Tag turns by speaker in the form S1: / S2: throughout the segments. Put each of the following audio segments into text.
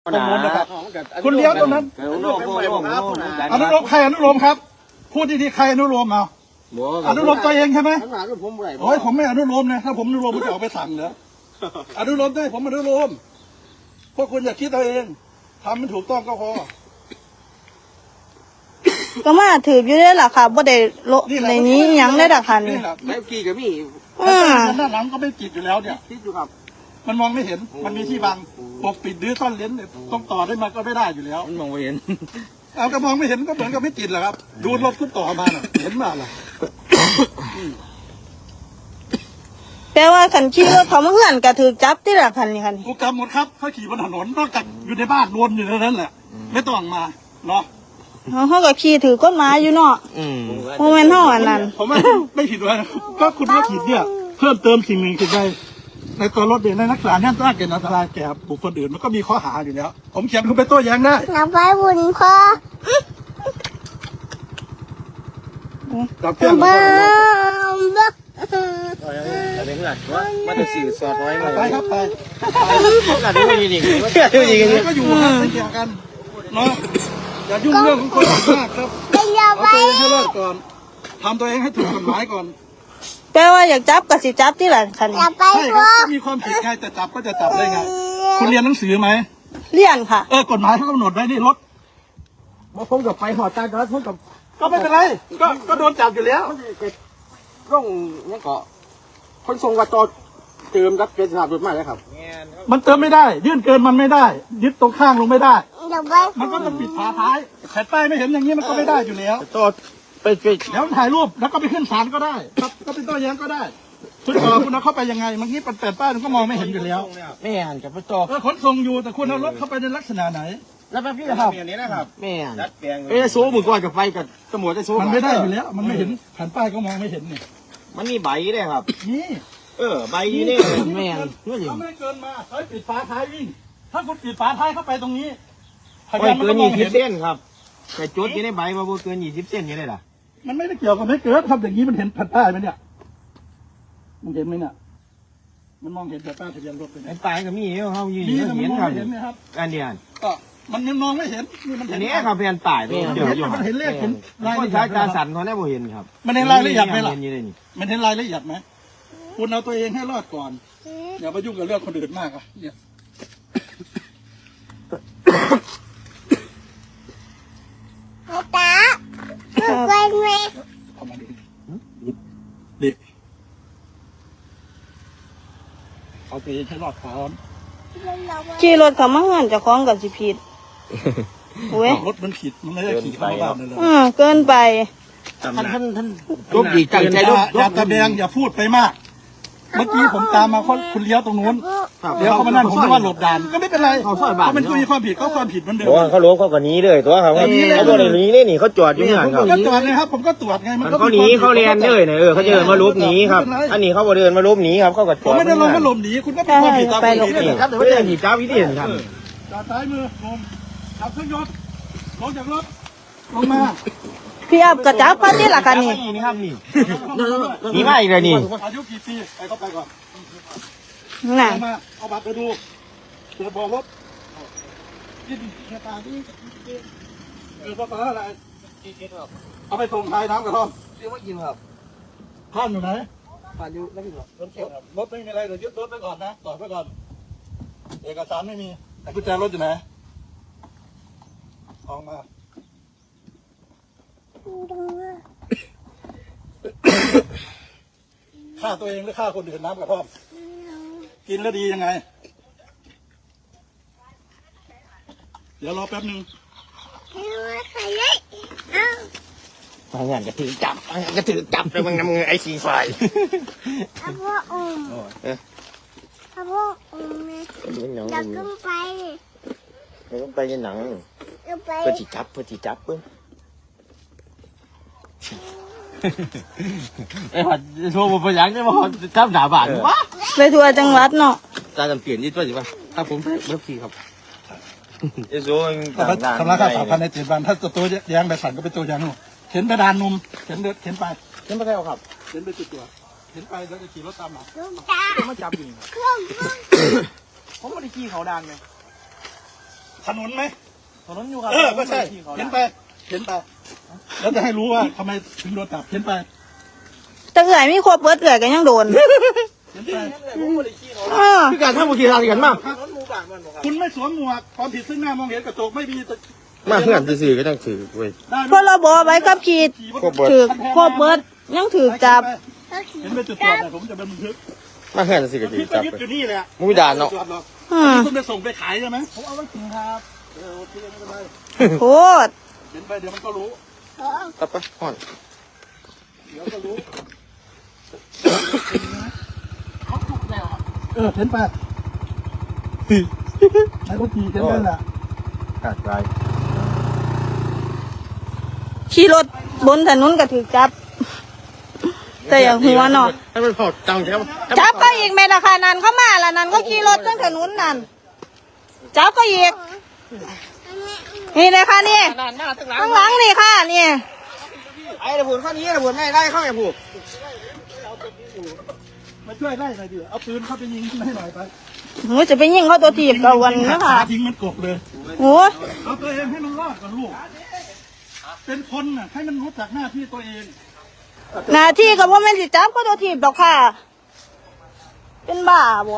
S1: ตรงนู้นนะครับคุณเลี้ยวตรงนั้นอนุโลมใครอนุโลมครับพูดดีๆใครอนุโลมเอาอนุโลมตัวเองใช่ไหมโอ้ยผมไม่อนุโลมนะถ้าผมอนุโลมผมจะออกไปสั่งเหรออนุโลมได้ผมอนุโลมพวกคุณอย่าคิดตัวเองทำมันถูกต้องก็พอ
S2: ก็มาถืออยู่ได้หรอค่ะบ่ได้โลในนี้ยังได้ดักคันนี่
S3: ไม่กี่กับมี่
S1: ด้านหลังก็ไม่ติดอยู่แล้วเนี่ย
S3: ติดอยู่ครับ
S1: มันมองไม่เห็นมันมีที่บังปกปิดหรือซ่อนเลนต้องต่อได้มาก็ไม่ได้อยู่แล้ว
S3: มันมองไม่เห็น
S1: เอาก็มองไม่เห็นก็เหมือนกับไม่ติดแหละครับดูรถขึ้นต่อมาเห็นมาล่ะ
S2: แปลว่าขันขี่รถเขามาเพื่อนกระถือจับที่ดักคันนี่คัน
S1: ถูกจับหมดครับเขาขี่บนถนนนอกจากอยู่ในบ้านวนอยู่นั้นแหละไม่ต้องมาเนาะ
S2: เขาก็ขี่ถือก้นไม้อยู่เนาะโมเมนต์เท่าอันนั้น
S1: ผมไม่ผิดเลยก็คุณว่าผิดเนี่ยเพิ่มเติมสิ่งหนึ่งคือในตัวรถเด็กในนักศึกษาเนี่ยต้องเกิดอันตรายแก่บุคคลอื่นมันก็มีข้อหาอยู่แล้วผมเขียนคุณไปโต้แย้งได้
S2: นับไปบุญพ่อ
S1: จับเพื่อน
S3: อะไรเพื่อนว่ามันจะสื่อสอดไว้ไหม
S1: ไปครับไป
S3: หลังดูดีดี
S1: ก็อยู่นะไม่เกี่ยวกันเนาะอย่ายุ่งเรื่องของคนอื่นมากครับเอาตัวเองให้รอดก่อนทำตัวเองให้ถูกกฎหมายก่อน
S2: แปลว่าอยากจับก็สิจับที่หลังคัน
S1: ใช่ครับก็มีความผิดไงแต่จับก็จะจับได้ไงคุณเรียนหนังสือไหม
S2: เรียนค่ะ
S1: กฎหมายเขากำหนดไว้นี่รถ
S3: ผมกับไปหอดตาดอดผมกับ
S1: ก็ไม่เป็นไรก็โดนจับอยู่แล้ว
S3: ร่องนี่ก็คนทรงวัดจอเติมรับเป็นสถาบันใหม่แล้วครับ
S1: มันเติมไม่ได้ยื่นเกินมันไม่ได้ยึดตรงข้างลงไม่ได้มันก็ต้องปิดฝาท้ายแผ่นป้ายไม่เห็นอย่างนี้มันก็ไม่ได้อยู่แล้ว
S3: ต่อไป
S1: แล้วถ่ายรูปแล้วก็ไปขึ้นศาลก็ได้ก็เป็นโต้แย้งก็ได้คุณต่อคุณเอาเข้าไปยังไงเมื่อกี้แผ่นป้ายมันก็มองไม่เห็นอยู่แล้ว
S3: ไม่อ่านกับต่อ
S1: ขนส่งอยู่แต่คุณเอารถเข้าไปในลักษณะไหน
S3: แล้วพี่ครับอย่างนี้นะครับไม่อ่านโซ่มือก่อนกับไฟกับตำรวจจะโซ่
S1: มันไม่ได้อยู่แล้วมันไม่เห็นแผ่นป้ายก็มองไม่เห็นเนี่ย
S3: มันมีใบด้วยครับ
S1: นี่
S3: ใบนี้เนี่ยไม่อ่าน
S1: เขาไม่เกินมาเขาปิดฝาท้ายวิ่งถ้าคุณปิดฝาท้ายเข้าไปตรงนี้
S3: ไม่เกิน20 เส้นครับแต่จุดที่ในใบมาเกิน20 เส้นนี่เลยล่ะ
S1: มันไม่ได้เกี่ยวกับไม่เกิดทำอย่างนี้มันเห็นแผ่นป้ายไหมเนี่ยมันเห็นไหมเนี่ยมันมองเห็นแผ่นป้ายทะเบียนรถเป็น
S3: ไอ้ป้ายก็มีเขายืนเห็นครับอันเดียน
S1: ก็มันยังมองไม่เห็นนี่มัน
S3: อันนี้ครับเป็นป้ายเดี๋ยว
S1: มันเห็นเลขเห็น
S3: รายละเอียดตาสั่นเขาได้บ่เห็นครับ
S1: มันเห็นรายละเอียดไหมล่ะมันเห็นรายละเอียดไหมคุณเอาตัวเองให้รอดก่อนอย่าไปยุ่งกับเรื่องคนอื่นมากอ่ะเนี่ย
S2: ตาไปไหม
S1: เอามาดิเอาตัวเองให้รอดก่อน
S2: ขี่รถเขามาเฮือนจะคล้องกับสิผิด
S1: เว้ยรถมันผิดมันไม่ได้ขี่เข้าบ้านเลย
S2: เกินไป
S3: ท่านรูปดีจังใจ
S1: อย่าตะแบงอย่าพูดไปมากเมื่อกี้ผมตามมาคุณเลี้ยวตรงนู้นเลี้ยวเขามานั่นผมว่าหลบด่านก็ไม่เป็นไรเขาเป็นผู้มีความผิดเขาความผิดเหมือนเดิม
S3: เขาล้มเขาก็หนีเลยตัวเขาตัวนี้เลยนี่เขาจอดอยู่เนี่ยครับ
S1: ก็จอดเลยครับผมก็ตรวจไง
S3: มันเขาหนีเขาเรียนเลยเนี่ยเขาเดินมาลบหนีครับอันนี้เขาเดินมาลบหนีครับเขาก็จอด
S1: ไม่ได้ลงมาลบหนีคุณก็เป็นความผิดตามกฎหมาย
S3: ครับแต่ว่าอย่างนี้เจ้าวิธีเห็นครับ
S1: จอดซ้ายมือลงขับเครื่องยนต์ลงจากรถลงมา
S2: พี่อับกระจับพันนี่แหละกันนี่
S3: นี่ครับนี่มาอีกเลยนี่
S1: อายุกี่ปีไปเข้าไปก่อน
S2: น่ะ
S1: เอาบัตรไปดูเปิดบอกรถกินแค่ตาที่ภาษาอะไรเอาไปส่งท้ายน้ำกระท่อม
S3: เรียกว่ากินครับ
S1: ท่านอยู่ไหน
S3: ผ่านอยู่แล้วพี่
S1: ครับรถไม่มีอะไรเดี๋ยวยึดรถไปก่อนนะต่อไปก่อนเอกสารไม่มีกุญแจรถอยู่ไหนออกมาฆ่าตัวเองหรือฆ่าคนอื่นน้ำกระท่อมกินแล้วดียังไงเดี๋ยวรอแป๊บนึง
S3: งานกระถือจับเลยมึงนำเงินไอซีไฟ
S2: พ่ออยากขึ้นไป
S3: ไปยังหนังเพื่อที่จับเพิ่งไอ้หัดโชว์บนยังได้มาจับด่าบาดวะ
S2: ไปทัวร์จังหวัดเนาะ
S3: ตาจำเปลี่ยนยี่ตัวสิป่ะถ้าผมเมื่อกี้ครับไอ้โซ่
S1: สำนักข่าว3,000ใน7 วันถ้าตัวแย้งไปสั่นก็เป็นตัวแย้งเข็นไปดานนมเข็นไป
S3: ใช่ครับ
S1: เข็นไปจุดตัวเข็นไปแล้วจะขี่รถตามหลัง
S3: มาจับอยู่ผมไม่ได้ขี่เขาดานเลย
S1: ถนนไหม
S3: ถนนอยู่ครับ
S1: ก็ใช่เห็นไปแล้วจะให้รู้ว่าทำไมถึงโดนจับเห็นไป
S2: แต่เอื่อยมีครบเบิดเอื่อยก็ยังโดน
S1: เห็นไป
S3: คือการทำบุญทีทางกันมาก
S1: คุณไม่สวมหมวกความผิดซึ่งหน้ามองเห็นกระจกไม่มี
S3: มาเพื่อนสื่อก็ต้องถือเว้ย
S2: พรบใบขับขี่ถือครบเบิดยังถือจับ
S1: เห็นเป็นจุดตรวจเนี่ยผมจะเป็นบันทึก
S3: มาเพื่อนสื่อก็ถื
S1: พี่
S3: อ
S1: ก็
S3: จับ
S1: ยึดอยู่นี่แหละ
S3: มุ้ยด่านเนาะ
S1: คุณไปส่งไปขายใช่ไหมผมเอาไว้กินครับโอเคไม่เป็นไร
S2: โคตร
S1: เห็นไปเดี๋ยวมันก็รู้
S3: ตับไปห่อน
S1: เดี๋ยวก็รู้เห็นไปไอ้พวกขี่กันนั่นแหละ
S3: ขาดใจ
S2: ขี่รถบนถนนก็ถือจับ แต่อย่างหัวเนาะ
S3: ให้มันพอจังใช่ไหม
S2: จับก็อีกแม่ราคานั้นเข้ามาละนั้นก็ขี่รถตั้งถนนนั่นจับก็อีกนี่เลยค่ะนี่ข้างหลังนี่ค่ะนี่
S3: ไอ้ระบุนข้อนี้ระบุนไม่ได้เข้าอย่าผูก
S1: มาช่วยไล่หน่อยดิเอาปืนเข้าไปยิงให้หน่อยไป
S2: โหจะไปยิงเขาตัวถีบกับวันนะคะ
S1: ทิ้งมันกบเลย
S2: โอ้
S1: เอาตัวเองให้มันรอดก่อนลูกเป็นคนน่ะให้มันรู้จักหน้าที่ตัวเอง
S2: หน้าที่กับว่าแม่นสิจับก็ตัวถีบดอกค่ะ เป็นบ้าบ่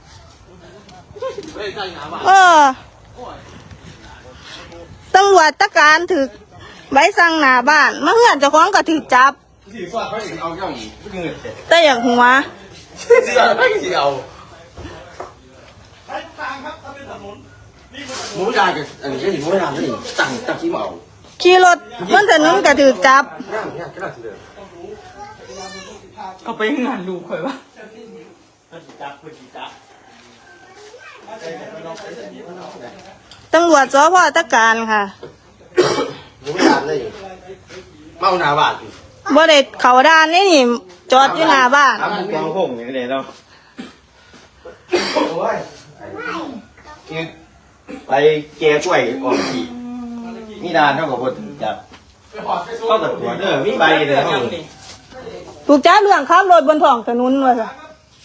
S2: ตำรวจตะการถือใบสั่งหน้าบ้านมาเฮือนเจ้าของก็ถือจับ
S3: สีฟ้าไม่ถึงเอาเจ้าหญิงไม่เงิน
S2: แต่อย่างหัว
S3: สีเอาไม่สีเอา
S1: ใช้ทางครับถ้าเป็นถนนนี่มัน
S3: มุ้ยด่านกับอันนี้ก็หญิงมุ้ยด่านนี่ตั้งขี้เมา
S2: ขี่รถบนถนนก็ถือจับ
S3: ง่ายก็ได้ทีเดียว
S4: เอาไปงานดูข่อยว่า
S2: ตำรวจสพตะการค่ะ
S3: มุ้ยด่านเลยเมาหนาบาด
S2: บ่ได้เขาด้านนี่นี่จอดอยู่หน้าบ้าน
S3: ทำมุ้งกองหงอย่างนี้เนาะโอ้ยไปแกกล้วยออกขี่มีด่านเท่ากับบทจับเข้ากับตัวเด้อมีใบเลยเขา
S2: ถูกจับเรื่องขับรถบนท้องถนนว่าซะ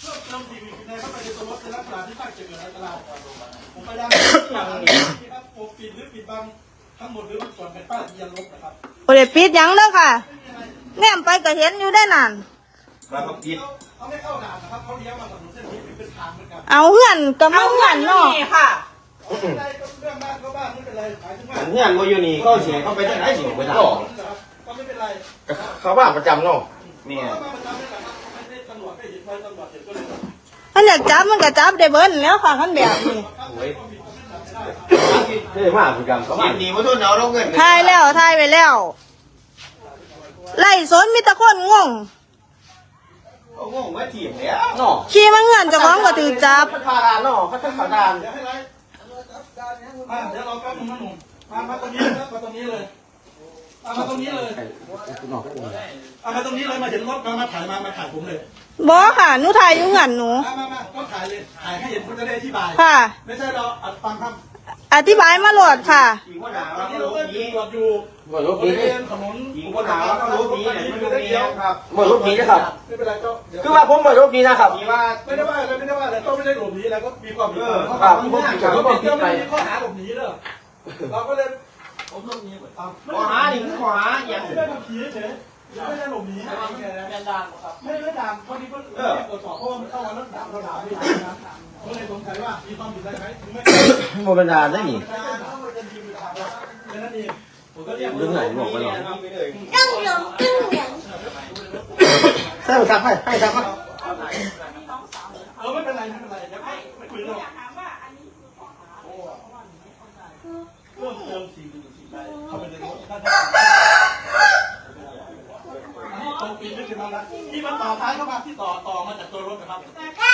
S1: ผมพยายามครับปกปิดหรือปิดบังทั้งหมดหรือมันส่วนเป็นป้ายทะเบียนรถนะครับ
S2: บ่ได้ปิดหยังเด้อค่ะแนมไปก็เห็นอยู่ได้นั่น
S3: มาเขาปิด
S1: เขาไม่เข้าด่านนะครับเขาเลี้ยวมาถนนเส้นนี้เป็นทางเหมือนกัน
S2: เอาเฮือนก็มาเฮือนเนาะ
S4: นี่ค่ะ
S1: ไม่ได้ก็เรื่องบ้านก็บ้านไม่เป็นไรหมายถึงว่า
S3: อันนี้โมยูนี่เขาเสียเขาไปที่ไหนสิไปด่า
S1: ก็ไม่เป็นไร
S3: เขาบ้านประจำเนาะเนี่ย
S1: ก็มาประจำนี่แหละครับไม่ได้ตำรวจไม่เห็นไฟตำรวจเห็นก็เลย
S2: มันอยากจับมันก็จับได้เบิดแล้วค่ะคันแบบนี้
S3: โอ้ยเท่มากประจำเขาบ้านดีมาทุนเอาลงเงิน
S2: ถ่ายแล้วถ่ายไว้แล้วไล่สนมีแต่คนงง
S3: เขางงมาถีบแล้วเนาะ
S2: ขี่มาเฮือนเจ้าของก็ถูกจับ
S3: เขาพาดานเนาะเขาจะขาดาน
S1: เดี๋ยวให้ไรเดี๋ยวเราแป๊บนึงนะหนุ่มมาตรงนี้นะมาตรงนี้เลยมาตรงนี้เลยมาตรงนี้เลยมาเห็นรถมาถ่ายมาถ่ายผมเลย
S2: บ่ค่ะหนูถ่ายอยู่เฮือนหนู
S1: มาก็ถ่ายเลยถ่ายให้เห็นคุณจะได้อธิบาย
S2: ค่ะ
S1: ไม่ใช่เราอัดฟังคำ
S2: อธิบายมาโหลดค่ะ
S3: ขี่ว่าด่า
S1: ตอ
S3: ว่าน
S1: นี้
S3: เขา
S1: เรา
S3: รู้
S1: ก็
S3: ดี
S1: ตรวจอยู่
S3: ว่ารถ
S1: บ
S3: ดี
S1: ริเวณถนน
S3: ขี่ว่าด่าว่าเขารู้ดีเนี่ยไม่รู้ดีครับ
S1: ไ
S3: ว่ารถดีนะครับ
S1: ม่เป็นไรก็
S3: คือว่าผมว่ารถดีนะครับที่ว่า
S1: ไม่ได้ว่าอะไรไม่ได้ว่าอะไรก็ไม่ได้หลบหนีอะไรก็มีความผิด
S3: ครับที่ผมผิดที่ผมผิดไป
S1: ไม่มีข้อหาหลบหนีเลยเราก็เลยผมหลบหนีตาม
S3: ขอหาดิขอหาอย่าง
S1: ไม่ได้ทำผีเฉยไม่ได้หลบหนีไม่ได้ด่านพอดีก็ตรวจสอบเพราะว่ามันเข้ามาแล้วด่านเราด่าไม่ได้นะก็เลยสงสัยว่ามีความผิดอะไรไหมถึงไม่
S3: โมเป็นดาได้หนิ
S1: แค่นั้นเองผมก็เรียก
S3: เรื่องไหนบอกไปหน่อย
S2: ต้องหลงต้องหลง
S3: ใช่ทำให้ทำให้
S1: ไม่เป็นไรไม่เป็นไรเดี๋ยวไม่คุยหรอกเรื่องเติมสิ่งใดเข้าไปในรถตรงปีนไม่ถึงแล้วนะที่มันต่อท้ายเข้ามาที่ต่อมาจากตัวรถนะครับ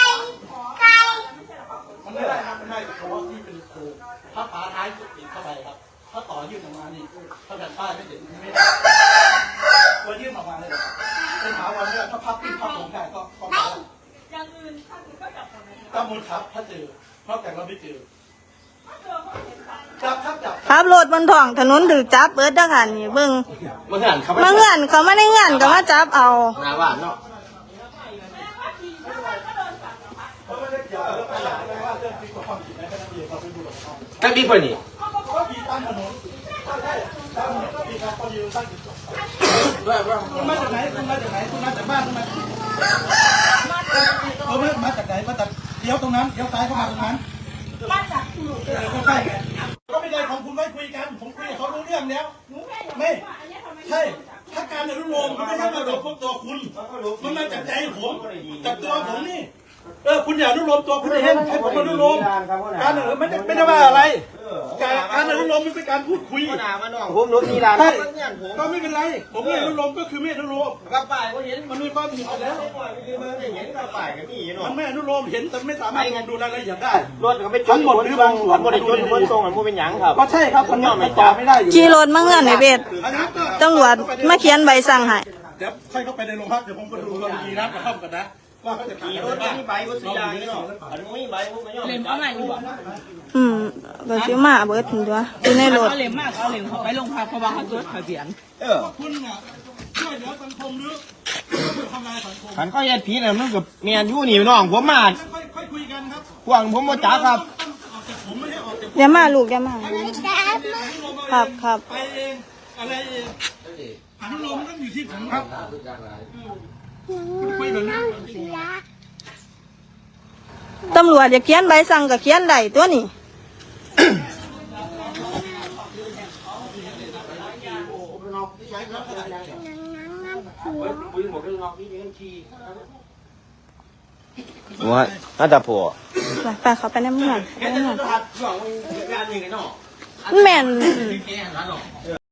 S1: มันไม่ได้ครับมันได้เฉพาะที่เป็นโค้งถ้าฝาท้ายติดเข้าไปครับถ้าต่อยื่นออกมานี่ถ้าแบบป้ายไม่ติดไม่ได้ตัวยื่นออกมาเลยเป็นถาวรเนี่ยถ้าพับปิ้งพับลงได้ก็ได้อย่างอื่นถ้ามูลครับถ้าเจอนอกจากเราไม่เจอจับครับจับ
S2: ขับรถบนท้องถนนถือจับเบิดเด้อค่ะนี่เบิ่ง
S3: มาเหื่อนเขา
S2: มาเฮือนเขามาในเฮือนก็มาจับเอา
S3: หน้าบ้านเนาะ
S1: เขาไม่ได้เกี่ยวกับเรื่องอะไรว่าเรื่องผิดความผิดอะไรแค่นั้นเองเราไปดูหรอก
S3: แค่บิ๊กคนนี่
S1: ตั้งถนนตั้งถนนก็มีครับพอดีตั้งคุณมาจากไหนคุณมาจากไหนคุณมาจากบ้านทำไมมาจากไหนมาจากเดี๋ยวตรงนั้นเดี๋ยวซ้ายเข้ามาตรงนั้นมาจากก็ใช่ไงก็ไม่ได้ของคุณไม่คุยกันผมคุยกับเขารู้เรื่องแล้วไม่ใช่ถ้าการอนุโลมมันไม่ใช่มาจากพวกตัวคุณมันมาจากใจผมจากตัวผมนี่คุณอย่าอนุโลมตัวคุณเองให้ผมอนุโลมการไม่ได้ว่าอะไรการอนุโลมมันเป็นการพูดคุย
S3: ผมรู้ที่ร้าน
S1: ก็ไม่เป็นไรผมไม่อนุโลมก็คือไม่อนุโลม
S3: กระป๋ายก็เห็น
S1: มันมีความผิดแล้ว
S3: เห็นกระป๋ายก็มีเนาะ
S1: มันไม่อนุโลมเห็นแต่ไม่สามารถดูรายละเอียดได้
S3: รถก็ไม่ทั้งหมดหรือหมดได้จนคนทรงมันเป็นหยังครับ
S1: ก็ใช่ครับมันไม่ตอบไม่ได้อยู่
S2: ขี่รถมาเงื่อนในเบสตำรวจมาเขียนใบสั่งให้
S1: เดี๋ยวค่อยเข้าไปในโรงพักเดี๋ยวผมไปดูกรณีนัดกระท่อมกันนะว่าเขาจะ
S3: ขี่รถมีใบวัสดุยางนี่เนาะอันนี้มีใบพวกนี้เล่มเอาไหนอยู่
S2: ก็ซื้อมาเบิดถึงตัวอยู่ในรถ
S4: เอาเหลมมากเอาเหลมเขาไปโรงพักเพราะว่าเขาจดทะเบียน
S1: คุณน่ะช่วยเหลือสังคมหรือทำลายสังคม
S3: ขันข้อเย็ดผีเนี่ยมันกับเมียนยู่นี่น้องผมมา
S1: ค่อยคุยกันครับ
S3: หวังผมมาจ้าครับ
S1: ออกจากผมไม่ให้ออกจาก
S2: อย่ามาลูกอย่ามาครับครับ
S1: ไปเองอะไรเองอนุโลมต้องอยู่ที่ผมครับคุยแบบนี้
S2: ตำรวจอย่าเขียนใบสั่งก็เขียนได้ตัวนี้
S3: ว่าน่าจะพอ
S2: ไปเขาไปในเมืองไปในเมืองแม่น